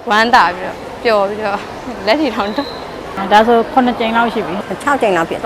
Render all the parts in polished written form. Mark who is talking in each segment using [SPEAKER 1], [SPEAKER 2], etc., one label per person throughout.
[SPEAKER 1] ဝမ်းသာပြီးတော့ပျော်ပြီးတော့လက်ထီထောင်တော့
[SPEAKER 2] ဒါဆို9ကြိမ်လောက်ရှိပြီ
[SPEAKER 3] 6ကြိမ်လောက်ဖြစ်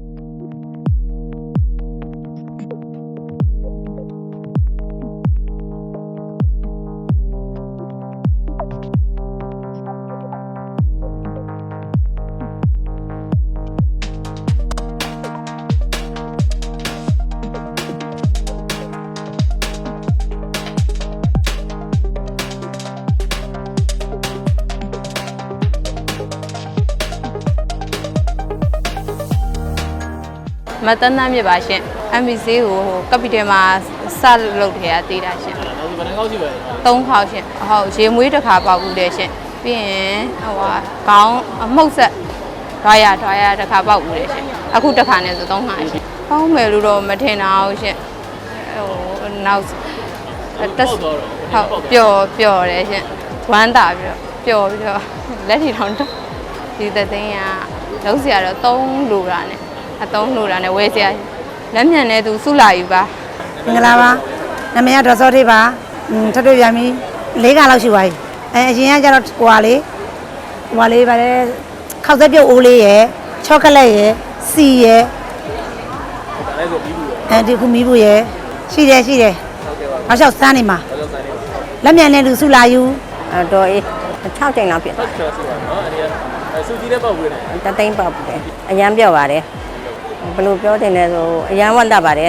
[SPEAKER 1] မတန်းတန်းမြစ်ပါရှင် MBC ကိုကပီတယ်မှာစလုပ်ထဲကတည်တာရှင်
[SPEAKER 4] ဘယ်နှခေါက်ရှိပါလဲ
[SPEAKER 1] 3ခေါက်ရှင်ဟုတ်ရေမွေးတစ်ခါပေါက်ဘူးတယ်ရှင်ပြီးရင်ဟိုခေါင်းအမှုတ်ဆက်ဒွားရတစ်ခါပေါက်ဘူးတယ်ရှင်အခုတစ်ခါနဲ့ဆို3ခါရှင်ပေါင်းမယ်လို့တော့မထင်တာဟုတ်ရှင်ဟိုနောက်တက်ဟုတ်ပျော်တယ်ရှင်ဝမ်းသာပြီးတော့ပျော်ပြီးတော့လက်ထီထောင်တော့ဒီသသိန်းကလုံးစရာတော့3လိုတာနဲ့3လိုတာနဲ့ဝယ်စရာလက်မြန်နဲ့သူစုလာယူပါ
[SPEAKER 3] မင်္ဂလာပါနာမည်ကဒေါ်စောသေးပါထပ်တွေ့ပြန်ပြီ4ခါလောက်ရှိပါပြီအရင်ကကျတော့ဟိုဟာလေးပါလေခောက်သက်ပြုတ်အိုးလေးရယ်ချောကလက်ရယ်စီရယ်
[SPEAKER 4] ဒါလည်းဆိုပြီးဘူးရ
[SPEAKER 3] ဒီခုမီးဘူးရယ်ရှိတယ်ဟုတ်ကဲ့ပါနောက်လျှောက်စမ်းနေမှာလက်မြန်နဲ့လူစုလာယူတော့အေး6ကြိမ်လောက်ဖြစ်
[SPEAKER 4] ဟုတ်ကဲ့ဆိုပါတော့အဲ့ဒီစူကြီးတဲ့ပေါက်ဝင်တယ်
[SPEAKER 3] တသိန်းပေါက်တယ်အရန်ပြော့ပါတယ်ဘယ်လိုပြောတင်လဲဆိုအရန်ဝတ်တတ်ပါတယ်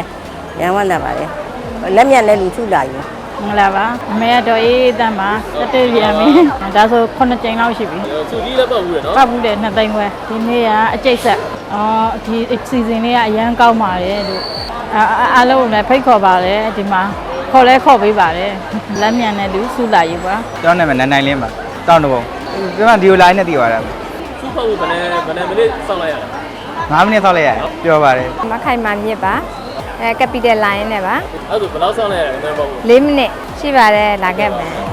[SPEAKER 3] လက်မြန်နဲ့လူစုလာယူ
[SPEAKER 2] မင်္ဂလာပါအမေကတော့အေးတန်းပါတက်တွေ့ပြန်ပြီဒါဆို9ကြိမ်လောက်ရှိပြီ
[SPEAKER 4] စူကြီးလည်းပေါက်ဝင်နော်
[SPEAKER 2] ပေါက်ဘူးတယ်2သိန်းခွဲဒီနေ့ကအကျိတ်ဆက်ဒီစီဇန်လေးကအရန်ကောင်းပါတယ်လို့အားလုံးလည်းဖိတ်ခေါ်ပါတယ်ဒီမှာခေါ်ပေးပါတယ်လက်မြန်နဲ့လူစုလာယူပါ
[SPEAKER 5] ကျွန်တော်နာမည်နိုင်လင်းပါတောင်းတဘုံကျွန်တော်ဒီလို line နဲ့တည်သွားတာ
[SPEAKER 4] စူပေါက်ဖို့ဘယ်နဲ့မိနစ်စောင့်လိုက်ရလဲ
[SPEAKER 5] 9မိနစ်စောင့်လိုက်ရတယ်ပြောပါတယ်
[SPEAKER 6] မခိုင်မာမြစ်ပါကပီတယ်လိုင်းနဲ့ပါ
[SPEAKER 4] အဲ့ဒါဆိုဘယ်လောက်စောင့်လိုက်ရလဲအဲ့ဒါပေါက်ဖို့
[SPEAKER 6] 4မိနစ်ရှိပါတယ်လာခဲ့မယ်